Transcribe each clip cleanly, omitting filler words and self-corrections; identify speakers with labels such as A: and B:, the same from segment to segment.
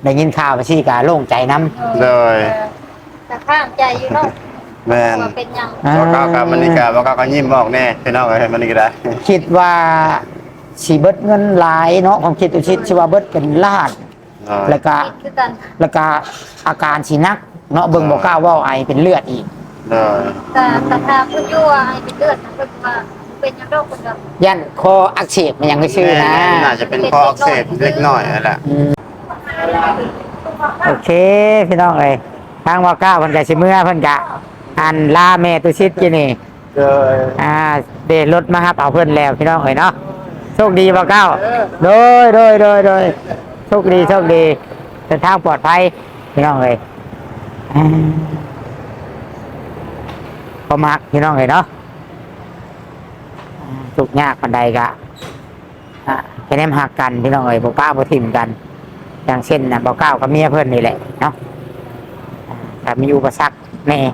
A: ได้ยินข่าวไปสิกะโล่งใจน้
B: ำเลย
C: แต่ข้างใจอยู่เนาะ
B: แม่น
C: เป็นยัง
B: บอกเก้ากับมันนี่กะบอกเก้าก็ยิ้มบอกแน่พี่น้องเอ้ยมันนี่ก็ได้
A: คิดว่าสิเบิดเงินหลายเนาะความคิดตุชิดสิว่าเบิดเป็นล้านแล้วก็อาการสินักเนาะเบิ่งบ่กล้าเว้าไอเป็นเลือดอีก
C: แต่ทางเพิ่นอยู่ว่าไอเป็นเลือดนะเพิ่นว่าเป็นยังโรคเพิ่นก็
A: ยันคออักเสบมันยังไม่ชื่อนะ
B: น่าจะเป็นคออักเสบเล็กน้อยนั่นแหละ
A: โอเคพี่น้องเอ้ยทางว่าก้าวเพิ่นก็สิเมื่อเพิ่นก็อันลาแม่ตุชิดกินนี่เดรถมาครับเอาเพิ่นแล้วพี่น้องเอ้ยเนาะโชคดีบ่ก้าวโดยโชคดีเดินทางปลอดภัยพี่น้องเอ้ยพอมักพี่น้องเอ้ยเนาะทุกยากปานใดก็แค่แนมหักกันพี่น้องเอ้ยบ่ป้าบ่ทิ่มกันอย่างเช่นน่ะบ่ก้าวกับเมียเพิ่นนี่แหละเนาะแต่มีอุปสรรคแน่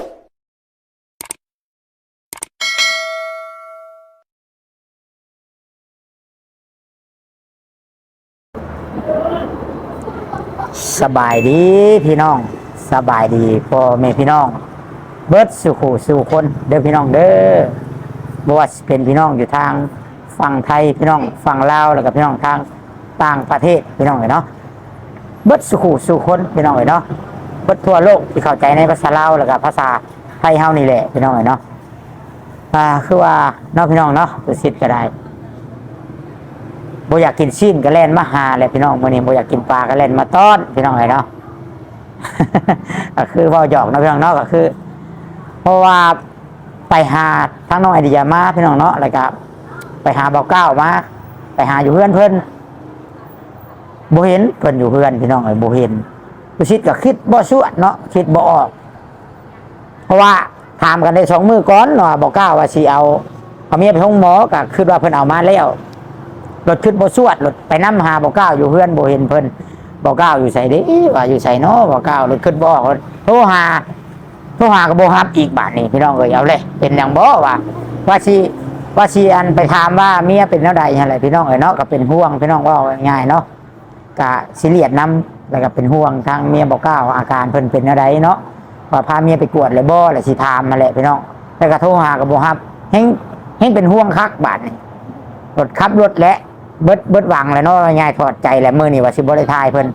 A: สบายดีพี่น้องสบายดีพ่อแม่พี่น้องเบิดสู่คนเด้อพี่น้องเด้อบ่ว่าเป็นพี่น้องอยู่ทางฝั่งไทยพี่น้องฝั่งลาวแล้วก็พี่น้องทางต่างประเทศพี่น้องเนาะเบิดสู่คนพี่น้องเนาะเบิดทั่วโลกที่เข้าใจในภาษาลาวแล้วก็ภาษาไทยเฮานี่แหละพี่น้องเนาะคือว่าเนาะพี่น้องเนาะตัวสิทธิ์ก็ได้บ่อยากกินชิ้นก็แล่นมาหาเลยพี่น้องมื้อนี้บ่อยากกินปลาก็แล่นมาต้อนพี่น้องเนาะก็คือเว้าหยอกนะพี่น้องเนาะก็คือเพราะว่าไปหาทั้งน้องไอเดียมาพี่น้องเนาะแล้วก็ไปหาเบาเก้ามาไปหาอยู่เพื่อนเพิ่นบ่เห็นเพิ่นอยู่เพื่อนพี่น้องบ่เห็นผู้ชิดก็คิดบ่ชั่วเนาะคิดบ่ออกเพราะว่าถามกันได้2 มื้อก่อนเนาะเบาเก้าว่าสิเอาเมียไปห้องหมอก็คิดว่าเพิ่นเอามาแล้วรถขึ้นบ่ชั่วรถไปนำหาเบาเก้าอยู่เพื่อนบ่เห็นเพิ่นเบาเก้าอยู่ไสเด้ว่าอยู่ไสเนาะเบาเก้ารถขึ้นบ่ออกโทรหาก็บ่รับอีกบาดนี้พี่น้องเอ้ยเอาเลยเป็นหยังบ่ว่าสิอันไปถามว่าเมียเป็นแนวใดอะไรพี่น้องเอ้ยเนาะก็เป็นห่วงพี่น้องว่าง่ายๆเนาะก็สิเลียดนำแล้วก็เป็นห่วงทางเมียบ่กล้าอาการเพิ่นเป็นแนวใดเนาะว่าพาเมียไปกวดเลยบ่แล้วสิถามมาแหละพี่น้องแต่ก็โทรหาก็บ่รับเฮงเป็นห่วงคักบาดนี้รถขับรถและเบิดหวังแล้วเนาะง่ายถอดใจแหละมื้อนี้ว่าสิบ่ได้ทายเพิ่น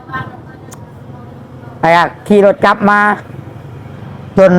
A: ไปขี่รถกลับมาจน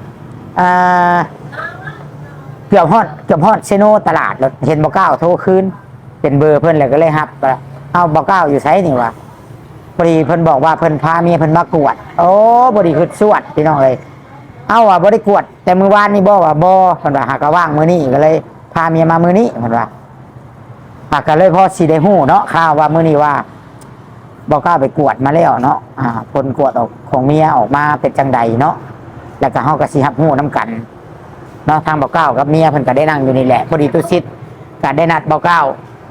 A: เกือบฮอดเซโนตลาดรถเห็นบ่เก้าโทรคืนเป็นเบอร์เพิ่นเลยก็เลยรับเอาบ่เก้าอยู่ไสนี่วะพอดีเพิ่นบอกว่าเพิ่นพาเมียเพิ่นมากวดโอ้บ่ดีคือสวดพี่น้องเอ้ยเอาว่าบ่ได้กวดแต่มื้อวานนี่บ่ว่าบ่เพิ่นว่าหากว่างมื้อนี้ก็เลยพาเมียมามื้อนี้เพิ่นว่าก็เลยพอสิได้ฮู้เนาะข่าวว่ามื้อนี้ว่าบ่เก้าไปกวดมาแล้วเนาะผลกวดออกของเมียออกมาเป็นจังใดเนาะแล้วก็เฮาก็สิรับฮู้นํกันเนาะทางเบาเก้ากับเมียเพิ่นก็ได้นั่งอยู่นี่แหละพอดีตุสิทธิ์ก็ได้นัดเบาเก้า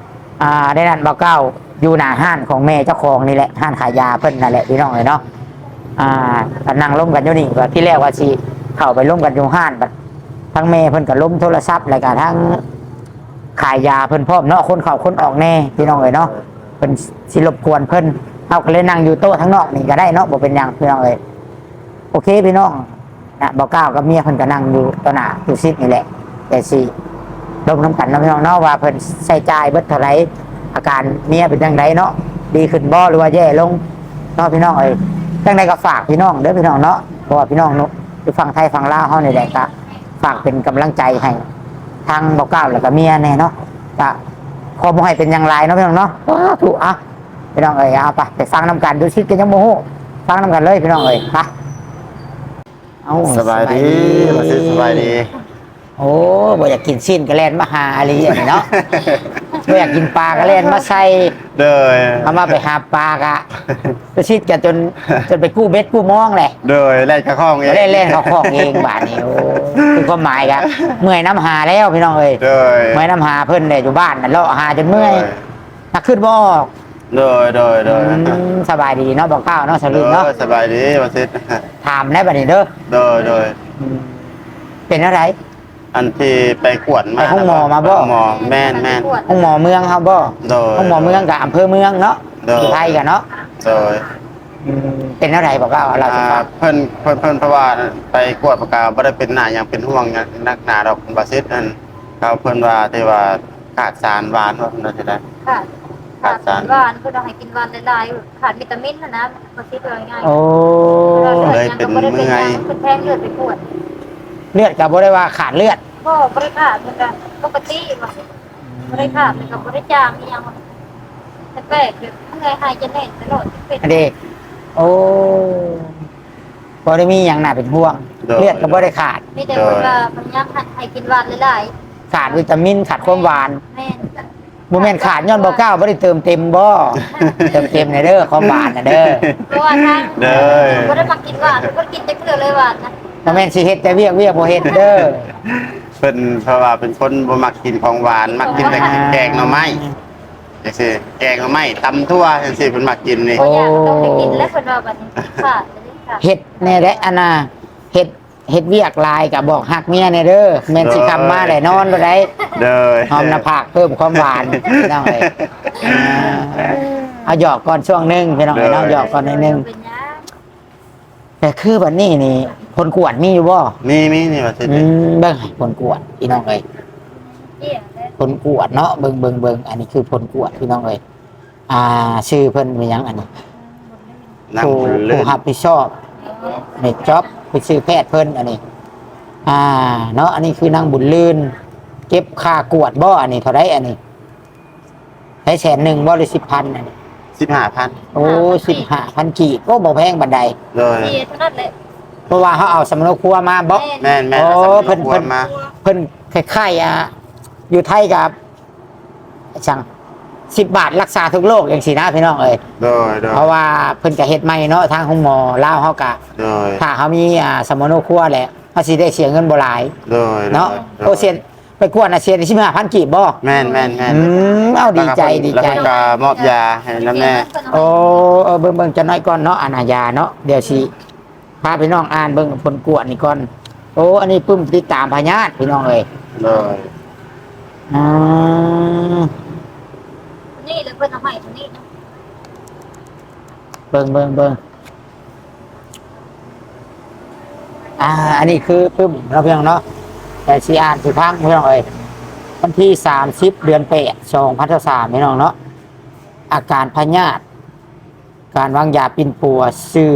A: อยู่หน้าห้านของแม่เจ้าของนี่แหละห้านขายยาเพิ่นนั่นแหละพี่น้องเนาะก็นั่งล้มกันอยู่นี่ว่าที่แรกว่าสิเข้าไปล้มกันอยู่ห้านบัดทั้งแม่เพิ่นก็ล้มโทรศัพท์แล้วก็ทั้งขายยาเพิ่นพร้อมเนาะคนเข้าคนออกแน่พี่น้องเนาะเพิ่นสิรบกวนเพิ่นเฮาก็เลยนั่งอยู่โต๊ะทั้งนอกนี่ก็ได้เนาะบ่เป็นหยังพี่น้องโอเคพี่น้องนะเบาเก้ากับเมียเพิ่นก็นั่งอยู่ต่อหน้าตุซิดนี่แหละแต่สิลงน้ำกันน้องเนาะว่าเพิ่นใส่ใจเบิดเท่าไรอาการเมียเป็นจังไดเนาะดีขึ้นบ่หรือว่าแย่ลงเนาะพี่น้องจังไดก็ฝากพี่น้องเด้อพี่น้องเนาะเพราะว่าพี่น้องเนาะอยู่ฝั่งไทยฝั่งลาวเฮานี่แหละก็ฝากเป็นกำลังใจให้ทางเบาเก้าแล้วก็เมียแน่เนาะก็ขอบ่ให้เป็นอย่างไรเนาะพี่น้องเนาะถูกพี่น้องเอาไปฟังน้ำกันดูซิกันยังโมโหฟังน้ำกันเลยพี่น้องไป
B: สบายดีมาซื้อสบายดี
A: โอ้บ่อยากกินชิ้นก็แล่นมาหาอะไรอย่างนี้เนาะบ่อยากกินปลาก็แล่นมาใส่
B: เด้อ
A: เอามาไปหาปลากะไปชิดกันจนไปกู้เบ็ดกู้มองแหละ
B: เด้อแล่นเข้าห้องเอง
A: เล่นเข้าห้องเองบาดนี้โอ้คือความหมายกะเมื่อยน้ำหาแล้วพี่น้องเมื่อยน้ำหาเพิ่นเนี่ยอยู่บ้านน่ะเลาะหาจนเมื่อยถ้าขึ้นบ่
B: เด้อ
A: สบายดีเนาะบอกข้าวเนาะสลืมเนาะ
B: สบายดีมาซื้อ
A: ถามได้บัดนี้เด้
B: อ
A: เป็นอะไร
B: อันที่ไปกวดมา
A: ไปห้องหมอมาบ่
B: หมอแม่น
A: ห้องหมอเมืองครับบ่ห้องหมอเมืองกับอำเภอเมืองเนาะอยู่ไทยกันเนาะ
B: โดย
A: เป็นอะไรบอกเล่าเราจะฟัง
B: เพิ่นเพราะว่าไปกวดประกาบ่ได้เป็นหน้าหยังเป็นห่วงหยังนักหนาดอกบาซิสนั่นเขาเพิ่นว่าที่ว่าขาดสารหวานว่านั่นสิได้
C: ขาดสารหวานเพื่อเราให้กินหวานหลายๆขาดวิตามินนะมาคิดเลยง่าย
A: โอ้
C: เลยเป็นเมื่อยเป็นแทงเลือดไปปวด
A: เลือดกับบ่ได้ว่าขาดเลือด
C: ก็บริขาดเหมือนกันปกติว่ะบริขาดเหมือนกับบริจางนี่ยังแต่แปลกแบบเมื่อยหายจะแน่นตลอดเป็น
A: อันนี้โอ้บ่ได้มีอย่างหนาเป็นห่วง เลือดก็บ่ได้ขาด
C: นี่แต่ว่าพยายามให้กินหวานหลาย
A: ขาดวิตามินขาดความหวาน
C: ๆแม่
A: บ่แม่นขาดย้อนบ่ก้าวบ่ได้เติมเต็มบ่เติมเต็มในเด้อความหวานน่ะเด้อ
C: เพราะว่าทางก็ได้มากินหวานก็กินแต่เกลือเลยหวานนะ
A: บ่แม่นสิเฮ็ดแต่เวียกบ่เฮ็ดเด้อ
B: เพิ่นเพราะว่าเป็นคนบ่มักกินของหวานมักกินแต่แกงหน่อไม้จังซี่แกงหน่อไม้ตำทั่วจังซี่เพิ่นมักกินนี่
C: เพราะอยากต้องไปกินแล้วคนว่าแบบนี้ขาดเลยค่ะ
A: เฮ็ดแน่แหละอันน่ะเฮ็ดเวียกหลายก็บอกฮักเมียแน่เด้อแม่นสิคำมาได้นอนบ่ได้
B: เด้อ
A: หอมหน้าผากเพิ่มความหวานพี่น้องเอ้ยเอาหยอกก่อนช่วงหนึงพี่น้องเอ้ยเนาะหยอกก่อนนิดนึง
C: เป็นยัง
A: แต่คือบัดนี้นี่ผลกวดมีอยู่บ่
B: มีนี่ว่าสิ
A: เบิ่งให้ผลกวดพี่น้องเอ้ย
C: เกี่ยเลย
A: ผลกวดเนาะเบิ่งอันนี้คือผลกวดพี่น้องเอ้ยชื่อเพิ่นเป็นหยังอันนี้
B: นั่ง
A: ผู้
B: เล่น
A: รับผิดชอบในจ็อบไปซื้อแพทย์เพิ่นอันนี้ เนาะอันนี้คือนางบุญลื่น เก็บค่ากวดบ่อันนี้เท่าไรอันนี้ได้100,000บ่หรือ10,000อันนี้
B: 15,000
A: โอ้15,000กีบก็บ่แพงบันได
B: เลย
C: เกี่ยเท่านั้นเลย
A: เพราะว่าเขาเอาสำนกครัวมาบ่
B: แม่น
A: โอ้
B: เพิ่น
A: เพิ่น
B: มา
A: เพิ่นคล้ายๆอยู่ไทยกับช่าง10 บาทรักษาทุกโรคอย่างสินะพี่น้องเอ้ย
B: โดย
A: เพราะว่าเพิ่นก็เฮ็ดใหม่เนาะทางห้องหมอลาวเฮาก็
B: โดย
A: ถ้าเขามีสมโนครัวแหละเขาสิได้เสียเงินบ่หลาย
B: โดย
A: เนาะโอเซียนไปกวดน่ะเสียได้15,000กีบบ่
B: แม่น
A: เอาดีใจดีใจ
B: แล้วก็มอบยาให้น้ำแน่
A: โอ้เบิ่งจะน้อยก่อนเนาะอาญาเนาะเดี๋ยวสิพาพี่น้องอ่านเบิ่งผลกวดนี่ก่อนโอ้อันนี้ปึ้มติดตามพญาติพี่น้องเอ้ย
B: โดย
A: อ่า
C: นี่เลยเพิ่นเอาให้ตรงนี้นะ
A: เบิ่งอันนี้คือปึ้มเราเพียงเนาะแต่สิอ่านสิพังพี่น้องเอ้ยวันที่30 เดือน8 2023พี่น้องเนาะอาการพญาติการวางยาปิ่นปัวซื่อ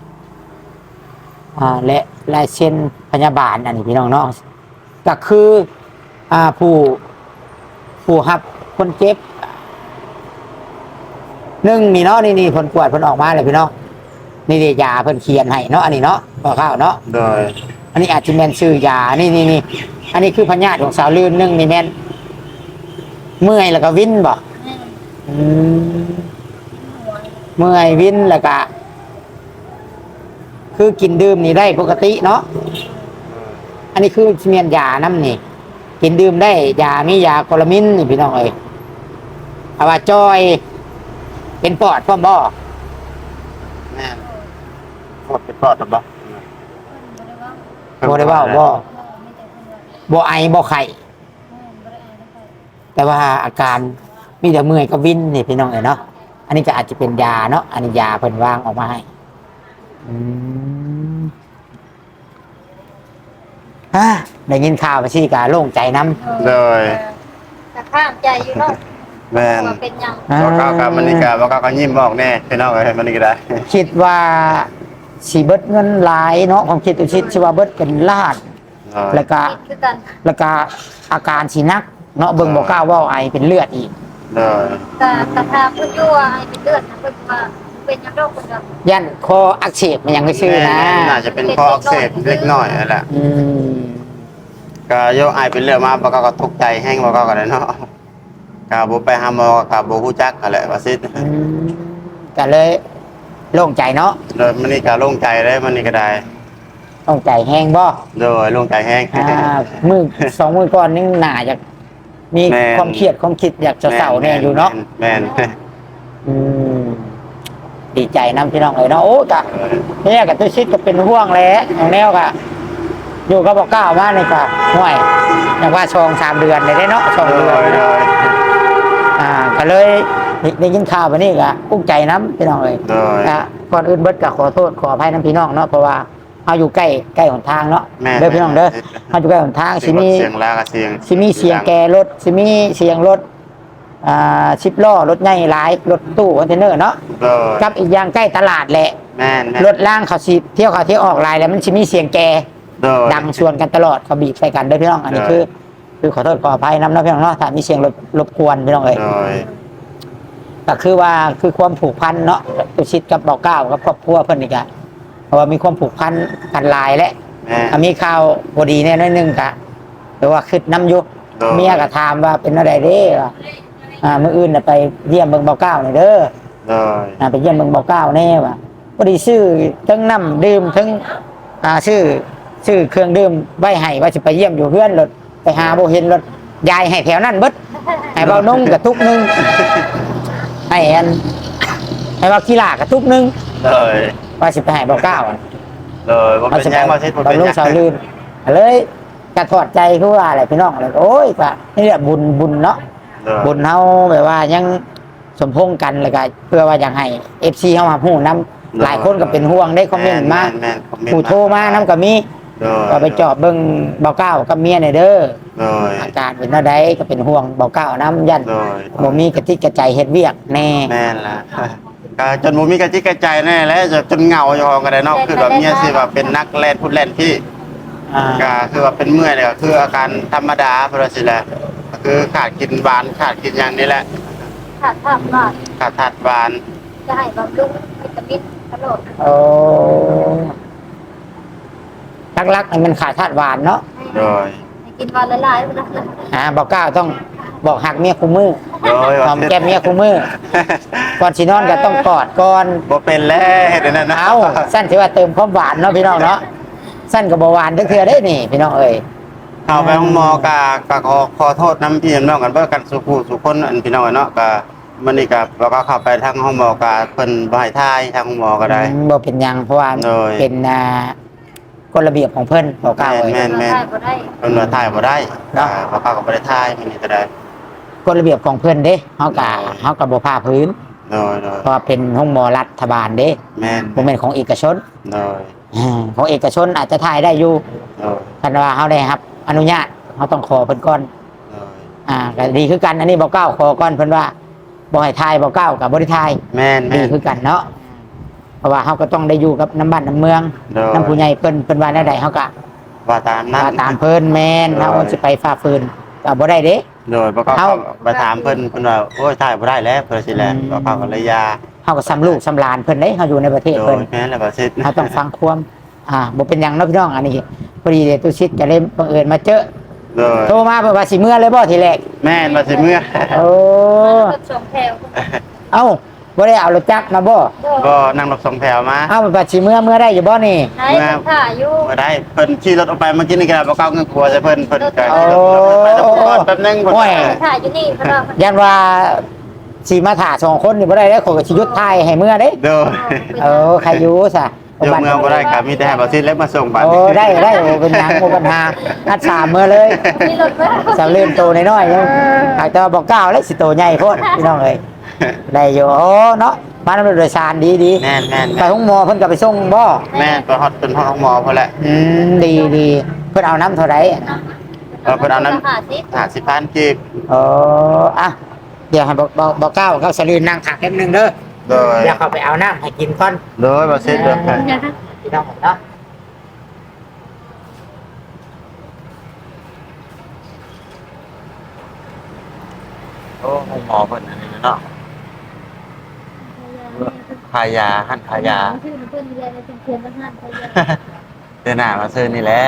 A: และลายเส้นพยาบาลอันนี้พี่น้องเนาะก็คือผู้รับคนเจ็บนี่เนาะนี่ผลกวดผลออกมาเลยพี่น้องนี่เดียยาเพิ่นเขียนให้เนาะอันนี้เนาะบอกข้าวเนาะ
B: โดย
A: อันนี้อาจจะแม่นชื่อยานี่อันนี้คือพญาติของสาวลื่นนี่แม่นเมื่อยแล้วก็วินบ่
C: อืม
A: เมื่อยวินแล้วก็คือกินดื่มนี่ได้ปกติเนาะอันนี้คือเมียนยาน้ำนี่กินดื่มได้ยามียาโคลามินนี่พี่น้องเอ้ยเอาว่าจอยเป็นปอดพ่อมบ่
B: แม่นปลอดเป็นปลอดหรือเปล่า
A: บ่ได้เว่าบ่บ่ไอบ่ไข้แต่ว่าอาการมีแต่เมื่อยกับวินนี่พี่น้องเอ้ยเนาะอันนี้ก็อาจจะเป็นยาเนาะอันนี้ยาเพิ่นวางออกมาให้ได้ยินข่าวไปสิกาโล่งใจน้ำ
B: โดย
C: แต่ข้ามใจอยู่เนาะ
B: แม่น
C: ว่าเป็นยัง
B: บอกเขากับมันนี่ก็บอกเขาก็ยิ้มบอกแน่พี่น้องเอ้ยมันนี่ก็ได้
A: คิดว่าสีเบิดเงินหลายเนาะความคิดตัวชิดชื่อว่าเบิดเป็นล้าน แล้วก็
C: คิดคือกัน
A: แล้วก็อาการสีนักเนาะเบิ่งบอกกล้าว่าไอเป็นเลือดอีก
B: โดย
C: แต่ทางเพิ่นอยู่ว่าให้เป็นเลือดนะเพิ่นว่าเป็นยังโรคคนเดียว
A: ยันคออักเสบมันยังไม่ชื่อนะ
B: น่าจะเป็นข้ออักเสบเล็กน้อยนั่นแหละ
A: อืม
B: ก็โยกไอเป็นเรื่องมาบอกเขาก็ทุกข์ใจแห้งบอกเขาก็ได้เนาะกาบ่ไปหาหมอกับบ่ฮู้จักอะไรว่าซิ
A: ก็เลยโล่งใจเนาะ
B: โดยมันนี่ก็โล่งใจเลยมันนี่ก็ได้
A: โล่งใจแห้งบ่
B: โดยโล่งใจแห้ง
A: มือ2 มือก่อนนี่หนาจะมี
B: แม่น
A: ความเครียดความคิดอยากจะเศร้าเนี่ยอยู่เนาะ
B: แม่น
A: อืมดีใจน้ำพี่น้องเลยเนาะโอ้กะเนี่ยกับตัวชิดก็เป็นห่วงแหล้วของแนวกะอยู่ก็บอกก้าวมาในกะห่วยอย่างว่า3 เดือนเลยได้เนาะ2
B: โด
A: เดือน
B: ยโดย
A: ก็เลยได้ยินข่าววันนี้ก็กุ้งใจน้ำพี่น้องเลย
B: โดย
A: นะก่อนอื่นเบิดก็ขอโทษขออภัยน้ำพี่น้องเนาะเพราะว่าเอาอยู่ใกล้หนทางเนาะ
B: แม่
A: เด้อพี่น้องเด้อเอาอยู่ใกล้หนทางสิมี
B: เสียงลากกับเสียง
A: สิมีเสียงแกรถสิมีเสียงรถชิปล้อรถใหญ่หลายรถตู้คอนเทนเนอร์เนาะ
B: โดย
A: กับอีกอย่างใกล้ตลาดแหละ
B: แม่น
A: รถล่างเขาสิเที่ยวเขาเที่ยวออกลายแล้วมันสิมีเสียงแก
B: โดย
A: ดังชวนกันตลอดเขาบีบใส่กันเด้อพี่น้องอันนี้
B: ใช่
A: คือขอโทษขออภัยน้ำเนาะพี่น้องเนาะถ้ามีเสียงรบกวนพี่น้องเอ้ย
B: โดย
A: ก็คือว่าคือความผูกพันเนาะตุชิดกับเบาเก้ากับครอบครัวเพิ่นอีกอะเพราะว่ามีความผูกพันกันหลายและ
B: แม่
A: มีข่าวพอดีแน่น้อยหนึงกะหรือว่าคิดน้ำอยุ
B: โดย
A: เมียก็ถามว่าเป็นอะไรเด้ว่ามื้ออื่นน่ะไปเยี่ยมเบิ่งเบาเก้าหน่อยเด้อ
B: โดย
A: ไปเยี่ยมเบิ่งเบาเก้าแน่ว่ะพอดีซื้อทั้งน้ำดื่มทั้งซื้อเครื่องดื่มไว้ให้ว่าสิไปเยี่ยมอยู่เพื่อนรถไปหาบ่เห็นรถยายให้แถวนั้นเบิดให้เบานุ่งกับทุกนึงให้ให้เบากีฬากับทุกนึง
B: โดย
A: ว่าสิไปให้เบาเก้าอะ
B: โดยบ่เป็นหยังบ่เช็ดบ่
A: บา
B: เป็น
A: ลุ
B: ห
A: ง
B: ยัง
A: สาวลืมเลยกระถอดใจคือว่าอะไรพี่น้องเลยโอ้ยปะนี่แหละบุญเนาะ
B: โดย
A: บุญเฮาแบบว่ายังสมพงษ์กันเลยก็เพื่อว่าอยากให้ FC เฮามาฮู้นํหลายคนก็เป็นห่วงได้คอมเมนต์มา
B: แม่นคอมเมนต์
A: ผู้โทรมานํก็มี
B: โดย
A: ก็ไปจอบเบิ่งเบาเก้ากับเมียหน่อยเด้อ
B: โดย
A: อาการเป็นเท่าใดก็เป็นห่วงเบาเก้านํยัน
B: โดย
A: บ่มีกระติกกระใจเฮ็ดเวียกแน่
B: แม่นล่ะก็จนบ่มีกระจิกกระใจแน่แล้วจนเหงาอยู่ห้องก็ได้เนาะคือแบบเมียสิว่าเป็นนักแล่นพูดแล่นพี่
A: อ่า
B: ก็คือว่าเป็นเมื่อยเนี่ยก็คืออาการธรรมดาเพราะว่าสิแหละก็คือขาดกินหวานขาดกินอย่างนี้แหละ
C: ขาดภาพว่า
B: ขาดธาตุหวาน
C: จะให้บำรุงวิตามินตลอด
A: โอ้ลักๆนี่มันขาดธาตุหวานเนาะ
B: โดย
C: ให้กินวันละหลายๆวันละ
A: เบาเก้าต้องบอกหักเมียคู่มือ
B: โดย
A: หอมแก้มเมียคู่มือ ก่อนสินอนก็ต้องกอดก่อน
B: บ่เป็นแล้วเฮ็ดอันนั้นนะ
A: เอาสั้นที่ว่าเติมความหวานเนาะพี่น้องเนาะสั้นกับหวานเถื่อได้นี่พี่น้องเอ้ย
B: เข้าไปห้องหมก็ขอโทษน้ำพี่น้องกันเบิ่กันสุผู้สุคนอันพี่น้องเนาะก็มื้อนี้ก็เราก็เข้าไปทางห้องหมอก็เพิ่นบ่ให้ทายทางห้องหมอก็ได้
A: บ่เป็นหยังเพราะว่า
B: โดย
A: เป็นกฎระเบียบของเพิ่นเบาเก้าเอ้ย
B: แม่น
C: ได้บ่ได้
B: เพิ่นว่าทายบ่ได้
A: เนาะ
B: บ่เข้าก็บ่ได้ทายมื้อนี้ก็ได้
A: กฎระเบียบของเพิ่นเด้เฮาก็บ่พาพื้น
B: โดย
A: เพราะว่าเป็นห้องหมอรัฐบาลเด้
B: แม่น
A: บ่แม่นของเอกชน
B: โดย
A: ของเอกชนอาจจะถ่ายได้อยู่
B: โดย
A: คันว่าเฮาได้ครับ อนุญาตเฮาต้องขอเพิ่นก่อน
B: โดย
A: ก็ดีคือกันอันนี้บ่เก้าขอก่อนเพิ่นว่าบ่ให้ทายบ่เก้ากับบ่ได้ทาย
B: แม่น
A: ดี
B: แม่น
A: คือกันเนาะเพราะว่าเฮาก็ต้องได้อยู่กับน้ำบ้านน้ำเมือง
B: โดย
A: น้ำผู้ใหญ่เพิ่นว่าแนวใดเฮาก็
B: ว่าตามนั้น
A: ว่าตามเพิ่นแม่น
B: โดย
A: เฮาสิไปฝ่าฝืนก็บ่ได้เด้
B: โดยบ่เข้า
A: เอ้า
B: ไปถามเพิ่นว่าโอ้ยทายบ่ได้แล้วเพิ่นสิแหละบ่เข้าก็เลยยา
A: เฮาก็ซ้ำลูกซ้ำหลานเพิ่นเด้เฮาอยู่ในประเทศ
B: โด
A: เพิ่
B: ย
A: น
B: แม่นแล้วก็สิ
A: เฮาต้องฟังความบ่เป็นหยังเนาะพี่น้องอันนี้พอดีเดตุชิตก็เลยบังเอิญมาเจอ
B: โดย
A: โทรมาเพิ่นว่าสิเมื่อเลยบ่ทีแรก
B: แม่นว่าสิเมื่อ
A: โอ้
C: รถสองแถว
A: เอ้าบ่ได้เอารถจักรมาบ่
B: ก็นั่งรถสองแถวมา
A: เอ้าว่าสิเมื่อได้อยู่บ่นี่
C: ไหนมันถ่ายอยู่
B: บ่ได้เพิ่นขี่รถออกไปเมื่อกี้นี่ก็บ่เข้าเงินครัวใช่เพิ่นก็
A: โอ้
B: ไปตะโกนแป๊บนึงเพิ่น
A: โอ้ย
C: ถ่ายอยู่นี่เพราะว่า
A: ยันว่าสีมาถ่าสองคนนี่บ่ได้แล้วขอยก็สิหยุดถ่ายให้เมื่อเด้
B: โดย
A: ใครอยู่ซะ
B: เดี๋ยวเมืองบ่ได้ก็มีแต่ให้บ่ซิเล็กมาส่งบัด
A: โอ้ได้โอ้เป็นหยังบ่ปัญหาอัดสามมื้อเลย
C: มีรถไหม
A: สาวเล่นโตน้อยๆยังอาจจะบอกก้าวแล้วสิโตใหญ่โพดพี่น้องเอ้ยได้อยู่โอ้เนาะมานำโดยสารดี
B: แม่นแม่น
A: ไปห้องหมอเพิ่นก็ไปส่งบ่
B: แม่นไปฮอดเป็นห้องหมอพุ่นแหละ
A: ดีเพิ่นเอาน้ำเท่าไหร่
B: เพิ่นเอานั้น
C: หาสิ
B: 50,000กีบ
A: โอ้อะเดี๋ยวให้บอกก้าวกับสลีนนั่งถักแป๊บนึงเด้อ
B: โดย
A: เดี๋ยวเขาไปเอาน้ำให้กินก่อน
B: โดยบ่ซิเด้อ
A: พี่น้องเนาะ
B: โอ้ห้องหมอเพิ่นอันนี้เนาะขายยาหั่นขายยา
C: ชื่อมันเพิ่นเรียนในเชียงทหารไทย
B: เดือนหน้ามาซื้อนี่แหละ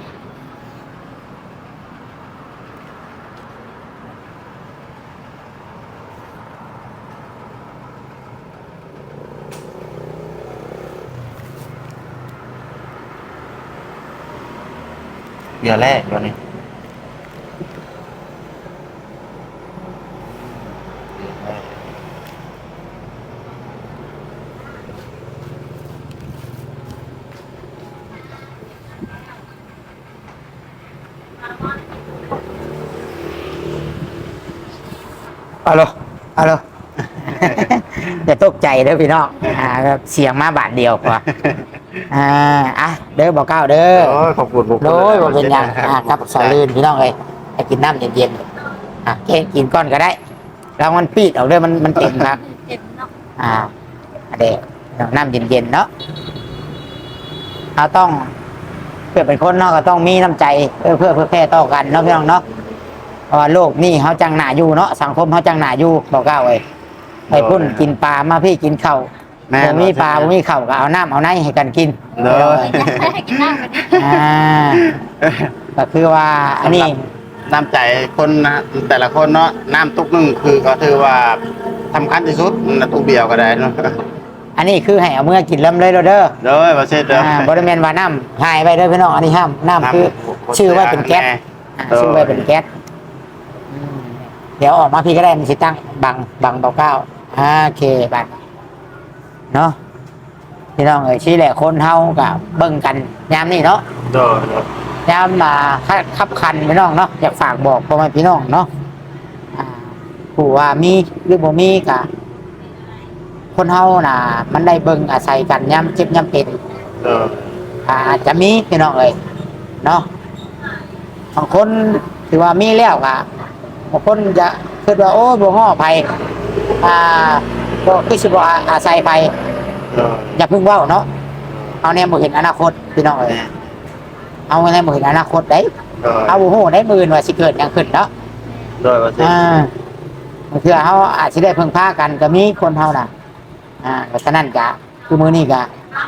B: เดี๋ยวแรกเดี๋ยวนี้
A: เอาเลยอย่าตกใจเด้อพี่น้องครับเสียงมาบาทเดียวกว่าเด้อบอกเก้าเด้อ
B: โอ้ยขอบคุณบุคคล
A: โดยว่าเป็นอย่างครับสาลื่นพี่น้องเลยให้กินน้ำเย็นๆแค่กินก้อนก็ได้แล้วมันปีดออกเลยมันเต็มครับ
C: เจ็บเนาะ
A: เด็กน้ำเย็นๆเนาะเราต้องเพื่อเป็นคนเนาะก็ต้องมีน้ำใจเพื่อแพร่ต่อกันเนาะพี่น้องเนาะเพราะว่าโลกนี่เขาจังหนาอยู่เนาะสังคมเขาจังหนาอยู่บอกเก้าเลยไปพุ่นกินปลามาพี่กินข้าวบ่มีปลาบ่มีข้าวก็เอาน้ำเอาไนให้กันกิน
B: เลย
C: ให้กินน้ำกันดิ
A: ก็คือว่าอันนี้
B: น้ำใจคนนะแต่ละคนเนาะน้ำตุกนึงคือก็ถือว่าสำคัญที่สุดนะตุกเดียวก็ได้เนาะ
A: อันนี้คือให้เอาเมื่อกินเริ่มเลยเด้อ
B: เด้อประเทศเด้อบ
A: ริเวณว่าน้ำหายไปเด้อพี่น้องอันนี้ห้ามน้ำคือชื่อว่าเป็นแก๊สชื่อว่าเป็นแก๊สเดี๋ยวออกมาพี่ก็ได้มันสิตั้งบังเบาเก้าโอเคบัดเนาะพี่น้องเอ้ยชี้แหละคนเฮากับเบิ่งกันยามนี่เนาะ
B: เด้อย
A: ามมาขับคันพี่น้องเนาะอยากฝากบอกพ่อแม่พี่น้องเนาะผู้ว่ามีหรือบ่มีกะคนเฮาน่ะมันได้เบิ่งอาศัยกันยามเจ็บยามเป็น
B: เด้อ
A: อาจจะมีพี่น้องเอ้ยเนาะบางคนถือว่ามีแล้วกะบางคนจะคิดว่าโอ้บ่ฮ้อภัยบ่คือสิบ่อาศัยภัย
B: เด้อ
A: อย่าเพิ่งเว้าเนาะเอาแนวบ่เห็นอนาคตพี่น้องเอ้ยเอาแนวบ่เห็นอนาคตได้
B: เด้อ
A: เอาบ่ฮู้ได้มื้อว่าสิเกิดหยังขึ้นเนาะ
B: เด้อประเทศ
A: บางเทื่อเฮาอาจสิได้พึ่งพากันก็มีคนเฮาน่ะก็ฉะนั้นก็คือมื้อนี้ก็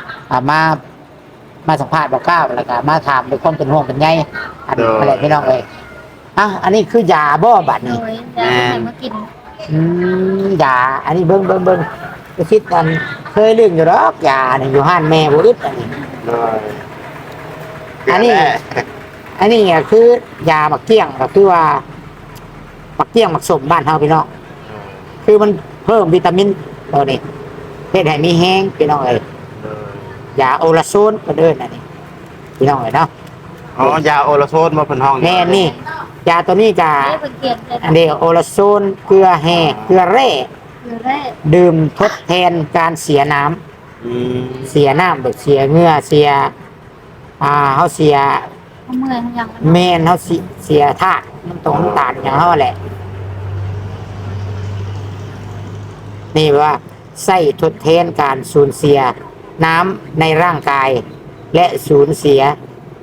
A: มาสัมภาษณ์บอกเก้าแล้วก็มาถามด้วยความเป็นห่วงเป็นใยอะไรพี่น้องเอ้ยอันนี้คือยาบ่บัด
C: โด
A: นี้
C: ยจะให้มากิน
A: ยาอันนี้เบิ่งไปคิดกันเคยลืมอยู่ดอกยานี่อยู่ห้านแม่บ่อึดอันนี้
B: เด้อ
A: อั
B: อั
A: นนี้ อันนี้ก็คือยาบักเกี้ยงก็คือว่าบักเกี้ยงบักสมบ้านเฮาพี่น้องคือมันเพิ่มวิตามินตัวนี้เฮ็ดให้มีแห้งพี่น้องเอ้ยยาโอลาโซนก็เดินอันนี้พี่น้องเอ้ยเนาะ
B: อ๋อยาโอโลโซนมาเป็นห้อง
A: แม่นี่ยาตัวนี้ก็
C: ได้เป็นเกียนเลย
A: อันนี้โอลาโซนเกลือแห่เกลือแร่
C: คือได้
A: ดื่มทดแทนการเสียน้ำ
B: อืม
A: เสียน้ำแบบเสียเหงื่อเสียเฮาเสีย
C: เขาเมื่อยเขายัง
A: แม่นเฮาเสียธาตุน้ำตาลอย่างเฮาแหละนี่ว่าใส่ทดแทนการสูญเสียน้ำในร่างกาย และสูญเสีย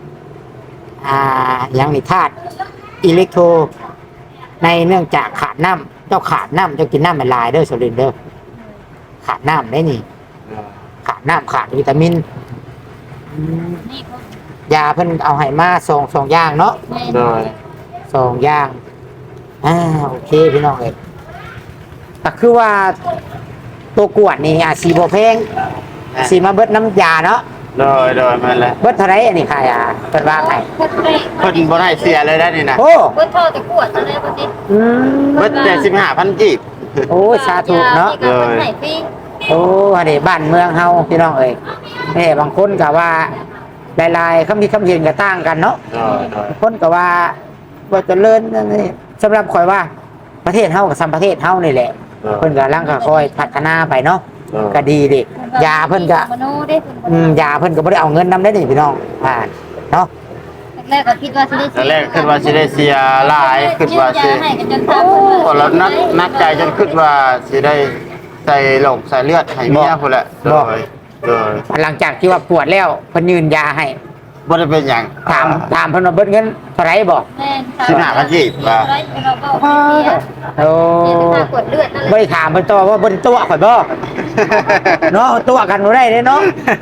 A: อย่างนี้ธาตุอิเล็กโทรในเนื่องจากขาดน้ำเจ้าขาดน้ำเจ้ากินน้ำมันลายเด้อสลินเด้อขาดน้ำได้นี่ขาดน้ำขาดวิตามิน
C: นี่เขา
A: ยาเพิ่นเอาให้มาสองอย่างเนาะ
C: แม่
B: เด้อ
A: 2อย่างโอเคพี่น้องเอ้ยก็คือว่าตัวกวดนี่สีบ่แพงสีมาเบิดน้ำยาเนาะ
B: เด้อมาแล้ว
A: เบิดเท่าไหร่อันนี้ค่ะยาเพิ่นว่าไง
C: เพิ่นได้
B: เพิ่นบ่ให้เสียเลยได้นี่นะ
A: โอ้
C: เพิ่นโทษแต่กวดอะไรบ่สิ
A: อืม
B: เบิดแต่15,000กีบ
A: โอ้สาธุเนาะ
C: เพิ่นให้ฟรี
A: โอ้อันนี้บ้านเมืองเฮาพี่น้องเอ้ยแม่บางคนก็ว่าหลายๆคำคิดคำเห็นก็ต่างกันเนาะ
B: เด้อ
A: บางคนก็ว่าบ่เจริญนั่นนี่สำหรับข่อยว่าประเทศเฮากับซ้ำประเทศเฮานี่แหละเพิ่นก็ลังก็ค่อยพัฒนาไปเนาะก็ดีดิยาเพิ่นก็
C: มโนได้เพิ่น
A: ยาเพิ่นก็บ่ได้เอาเงินนำได้นี่พี่น้องเนาะ
C: แรกก็คิดว่าสิได้
B: แต่แรกคิดว่าสิได้เสียหลายคิดว่าสิ
C: ให้กันจนทำ
B: พอแล้วนักใจจนคิดว่าสิได้ใส่โรคใส่เลือดให้เมียพุ่นแหละเด้อ
A: หลังจากที่ว่าปวดแล้วเพิ่นยืนยาให้
B: บ่ได้เป็นหยัง
A: ถามเพิ่นว่าเบิดเงินเท่าไหร่บอก
C: แม่น
B: 15,000กีบว่า
C: เราก็เสีย
A: โอ้
C: เสียค่ากวดเลือดนั่นแห
A: บ่
C: ละ
A: ได้ถามเพิ่นต่อว่าเพิ่นตัวข่อยบ่เนาะตัวกันบ่ได้เด้เนาะ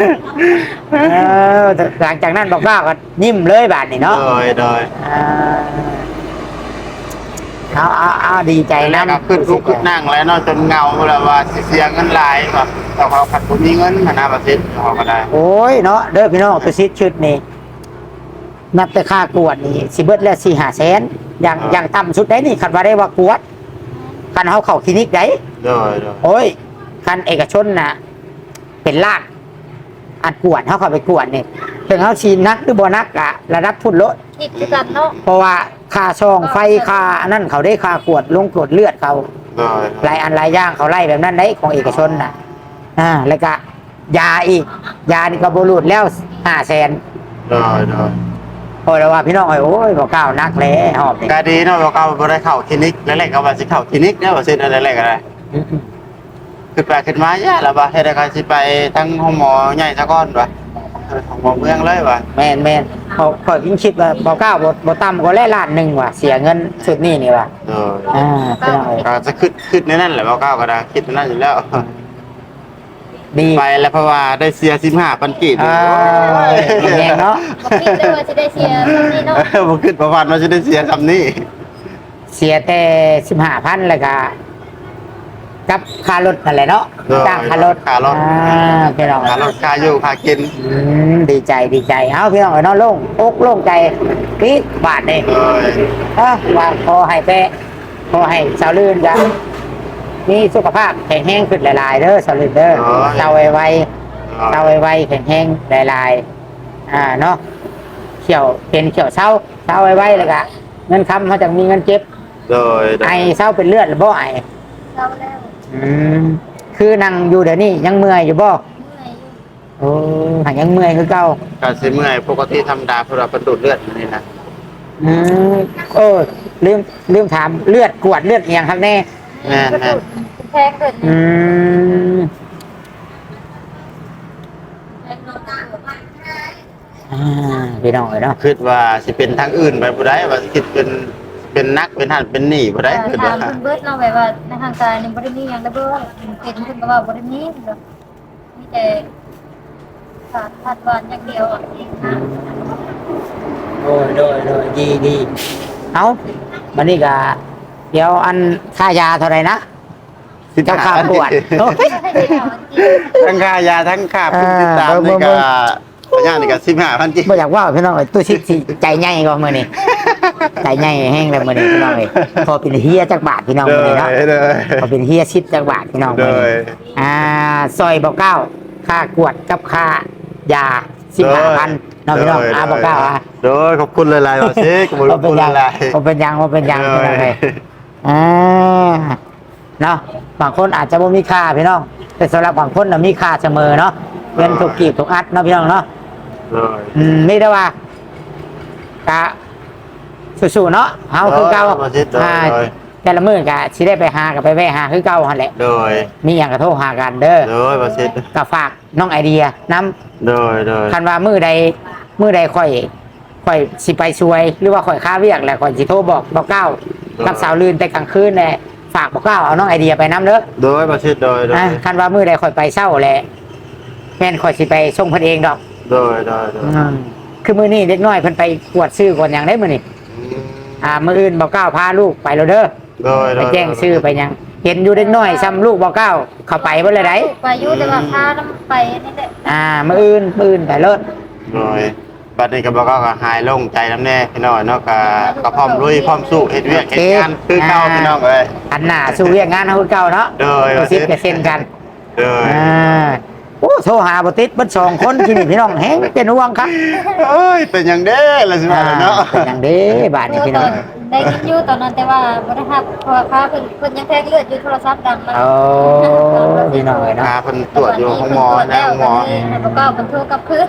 A: หลังจากนั้นบอกว่าก็ยิ้มเลยบาดนี้เนาะ
B: โดย
A: เอาดีใจ
B: แล้ว
A: นะ
B: ก็ขึ้นลุกขึ้นนั่งแล้วเนาะจนเงาแล้วว่าสิเสียเงินหลายบ่แต่เขาขัดบ่มีเงินหาประเทศเขาก็ได้
A: โอ้ยเนาะเด้อพี่น้องประสิทธิ์ชุดนี้นับแต่ค่ากวดนี่สิเบิดแล้ว4-5 แสนอย่างต่ำสุดได้นี่คันว่าได้ว่ากวดคันเฮาเข้าคลินิกได้
B: โดย
A: โอ้ยคันเอกชนน่ะเป็นล้านอันกวดเฮาเข้าไปกวดนี่ถึงเฮาชีนักหรือบ่นักอะระดับพุ่นโลด
C: คิดคือกันเนาะ
A: เพราะว่าค่าช่องไฟค่าอันนั้นเขาได้ค่ากวดลงกวดเลือดเขา
B: โดย
A: หลายอันหลายอย่างเขาไล่แบบนั้นได้ของเอกชนน่ะแล้วก็ยาอีกยานี่ก็บรูดแล้ว500,000
B: โดยโดย
A: พอแล้วว่าพี่น้องโอ้ยบอกก้าวนักเลยหอบนี่
B: ก็ดีเนาะเราก็บ่ได้เข้าคลินิกแรกๆก็ว่าสิเข้าคลินิกเด้อว่าสิอะไรแรกๆอะไรขึ้นไปขึ้นมาย่าแล้วว่าเฮ็ดได้ก็สิไปทั้งห้องหมอใหญ่ซะก่อนว่ะห้องหมอเมืองเลยว่ะ
A: แม่นเขายิ่งคิดว่าบอกก้าวบ่ต่ำกว่าล้านหนึ่งว่ะเสียเงินสุดนี่นี่ว่ะ
B: เออ
A: พี่น้องเอ้ย
B: ก็จะขึ้นในนั่นแหละบ่ก้าวก็ได้คิดในนั่นอยู่แล้ว
A: ดี
B: ไปแล้วเพราะว่าได้เสีย15,000กีบ
A: แรงเนาะ
C: บ่คิดเลยว่าสิได้เสียแบบนี้เนาะ
B: บ่ขึ้นประวัติว่าจะได้เสียคำนี้
A: เสียแต่15,000แล้วก็กับค่ารถนั่นแหละเนาะจ้างค่ารถพี่น้อง
B: ค่ารถค่าอยู่ค่ากิน
A: ดีใจเอ้าพี่น้องเอ้ยเนาะโล่งอกโล่งใจปี๊ดบาทนี่
B: เออ
A: ว่าขอให้สาวลื่นจ้ะมีสุขภาพแข็งแรงขึ้นหลายๆเด้อสาวลื่นเด้อเตาไวแข็งแรงหลายๆเนาะเขียวเศร้าไวแล้วก็เงินคำเขาจะมีเงินเก็บ
B: โดย
A: ไอเศร้าเป็นเลือดหรือบ่ไอ
C: เราแล้ว
A: คือนั่งอยู่เดี๋ยวนี้ยังเมื่อยอยู่บ่
C: เมื่อยอยู่
A: โอ้หายังเมื่อยคือเก่า
B: ก็สิเมื่อยปกติธรรมดาเพราะว่าเป็นดูดเลือดนี่นะ
A: โอ้ลืมถามเลือดกวดเลือดเอียงครับแน่
B: แม่น
C: กระ
B: แม่
C: ดู
B: น
C: กแพงเกิน
A: พี่น้องเนาะ
B: คิดว่าสิเป็นทางอื่นไปบ่ได้ว่าสิคิดเป็นนักเป็นหันเป็นหนี้บ่ได้คิด
C: ถา
B: ว่าม
C: เพิ่นเบิดเนาะแบบว่าในทางการนี่บ่ได้มีหยังได้เบิดเป็นเพิ่นก็ว่าบ่ได้มีเนาะมีแต่ขาดพัดวานอย่างเดียวอ่ะนะ
A: โดยดีเอาวันนี้ก็เดี๋ยวอันค่ายาเท่าไหร่นะเจ้าข้าวปวดโอ้ย
B: ทั้งค่ายาทั้งค่าผู้ติดตามนี่ก็ระยะนี่ก็15,000กิ
A: บ่อยากว่าพี่น้องเอ้ยตู้ชิดสิใจใหญ่กว่ามื้อนี้ใจใหญ่แห้งเลยมื้อนี้พี่น้องเอ้ยพอเป็นเฮียจักบาทพี่น้องมื้อนี้เนาะ
B: เลย
A: พอเป็นเฮียชิดจักบาทพี่น้อง
B: เล
A: มื้อนี้
B: ย
A: ซอยบอกเก้าค่ากวดกับค่ายา15,000เนาะพี่น้องบอกเก้า
B: โดยขอบคุณหลายๆว่าสิขอบคุณหลายๆ
A: บ่เป็นหยังพี่น้องเอ้ยเนาะบางคนอาจจะบ่มีค่าพี่น้องแต่สำหรับบางคนน่ะมีค่าเสมอเนาะเงินถูกกีบถูกอัดเนาะพี่น้องเนาะ
B: เลย
A: ไม่ได้ว่ากะสู้ๆเนาะเฮาคือเก่าแต่ละมื้อกะสิได้ไปหากับไปแวะหาคือเก่าหั่นแหละ
B: โดย
A: มีหยังก็โทรหากันเด้อ
B: โดยว่าสิ
A: ก็ฝากน้องไอเดียนํ
B: โดย
A: คันว่ามื้อใดค่อยสิไปช่วย หรือว่าค่อยค้าเวียกแหละค่อยสิโทรบอกเก้ากับสาวลื่นแต่กลางคืนแหละฝากบอกเก้าเอาน้องไอเดียไปนํเด้อ
B: โดยว่าสิโดย
A: คันว่ามื้อใดค่อยไปเช้าแหละแม่นค่อยสิไปส่งเพิ่นเองดอก
B: โดย
A: คือมื้อนี้เด็กน้อยเพิ่นไปกวดซื้อก่อนหยังได้มื้อนี้มื้ออื่นบอกเก้าพาลูกไปแล้วเด้อ
B: โดย
A: ไปแจ้งชื่อไปหยังเห็นอยู่เด็กน้อยซ้ำลูกบอกเก้าเข้าไปเบ่เลยได้
C: ไปอยู่แต่ว่าพาน้ำไปนี่แหละ
A: มื้ออื่นไปเลิศ
B: โดยบัดนี้ก็บอกก็หายโล่งใจน้ำแน่พี่น้อยเนาะก็พร้อมลุยพร้อมสู้เฮ็ดเวียกเฮ็ดงานคือเก่าพี่น้องเอ้ย
A: อันหน้าสู้เวียกงานเฮาคือเก่าเนาะ
B: โดย
A: ก็สิบก็เซ็นกัน
B: โดย
A: โอ้โทรหาบ่ติดเบิด2คนที่นี่พี่น้องแฮงเป็นห่วงครับ
B: เอ้ยเป็นหยังเด้ล่ะสิว่าเนาะ
A: เป็นหยังเด้บาดนี้พี่น้อง
C: ได้ยินอยู่ตอนนั้นแต่ว่าบ่ได้รับเพราะว่าพาเพิ่นยังแทงเลือดอยู่โทรศัพท์ดังมา
A: โอ้พี่น้องเนาะ
B: พาเพิ่นตรวจอยู่ห้องหมอนะห้องหมอ
C: แล้วก็มันโทรกลับคืน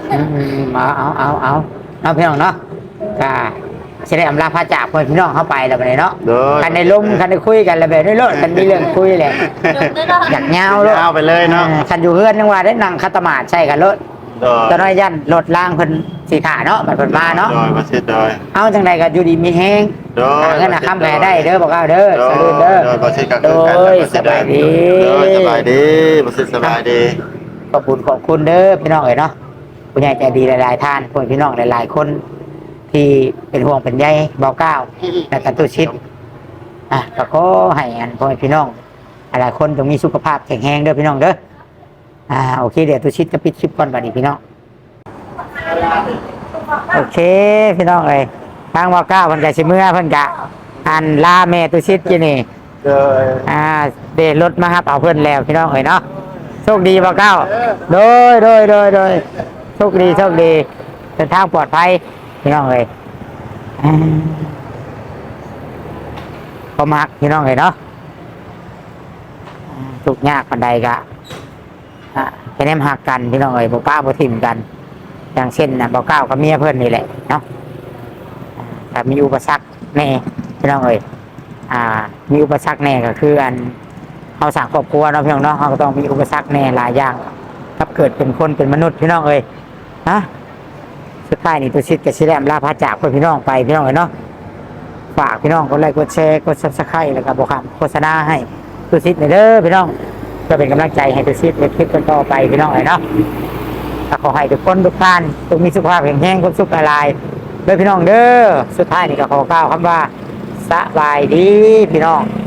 A: เอาพี่น้องเนาะก็สิได้อำลาพาจากพ่อพี่น้องเข้าไปแล้วบัดนี้เนาะ
B: โดย
A: กันได้ล้มกันได้คุยกันแล้วแบบนี้โลดกันมีเรื่องคุยแหละอยากยาวโลด
B: ยาวไปเลยเนาะ
A: คันอยู่เฮือนนึงว่าได้นั่งคัตมาดใช่กันโลด
B: โดย
A: ตอนน้อยยันรถล่างเพิ่นสีขาเนาะบัดเพิ่นมาเนาะ
B: โดยว่าสิโดย
A: เอาจังใดก็อยู่ดีมีแฮง
B: โดย
A: หาเงินหาคำแม่ได้เด้อบอกเอาเด้อสลุนเด้อ
B: โดยบ่สิก็
A: โด
B: คือกัน
A: ยสบายดี
B: โดยสบายดีบ่สิสบายดี
A: ขอบคุณเด้อพี่น้องเอ๋ยเนาะผู้ใหญ่ใจดีหลายๆท่านพวกพี่น้องหลายๆคน ที่เป็นห่วงเป็นใยบอกก้าวและกันตุชิดก็ขอให้อันพ่อแม่พี่น้องหลายคนจงมีสุขภาพแข็งแรงเด้อพี่น้องเด้อโอเคเดี๋ยวตุชิดจะปิดคลิปก่อนบัดนี้พี่น้องโอเคพี่น้องเอ๋ยทางบอกก้าวเพิ่นก็สิเมื่อเพิ่นก็อันลาแม่ตุชิดอยู่นี่
B: โดย
A: เดรถมาครับเอาเพื่อนแล้วพี่น้องเอ๋ยเนาะโชคดีบ่เก้าโดยโชคดีเดินทางปลอดภัยพี่น้องเอ๋ยพอมักพี่น้องเอ๋ยเนาะทุกข์ยากปานใดก็แค่แนมหักกันพี่น้องเอ้ยบ่ป้าบ่ทิ่มกัน อย่างเช่นนะบ่ก้าวกับเมียเพิ่นนี่แหละเนาะแต่มีอุปสรรคแน่พี่น้องเอ้ยมีอุปสรรคแน่ก็คืออันเอาสร้างครอบครัวเนาะพี่น้องเนาะเราก็ต้องมีอุปสรรคแน่หลายอย่างครับเกิดเป็นคนเป็นมนุษย์พี่น้องเอ้ยนะสุดท้ายนี่ตัวชิดกับชิแรมลาพาจากเพื่อนพี่น้องไปพี่น้องเอ้ยเนาะฝากพี่น้องกดไลค์กดแชร์กด Subscribe แล้วก็บอกคำโฆษณาให้ตัวชิดหน่อยเด้อพี่น้องเพื่อเป็นกำลังใจให้ตัวชิดในคลิปต่อไปพี่น้องเอ้ยเนาะขอให้ทุกคนทุกท่านต้องมีสุขภาพแข็งแรงความสุขหลายๆเด้อพี่น้องเด้อสุดท้ายนี่ก็ขอกล่าวคำว่าสบายดีพี่น้อง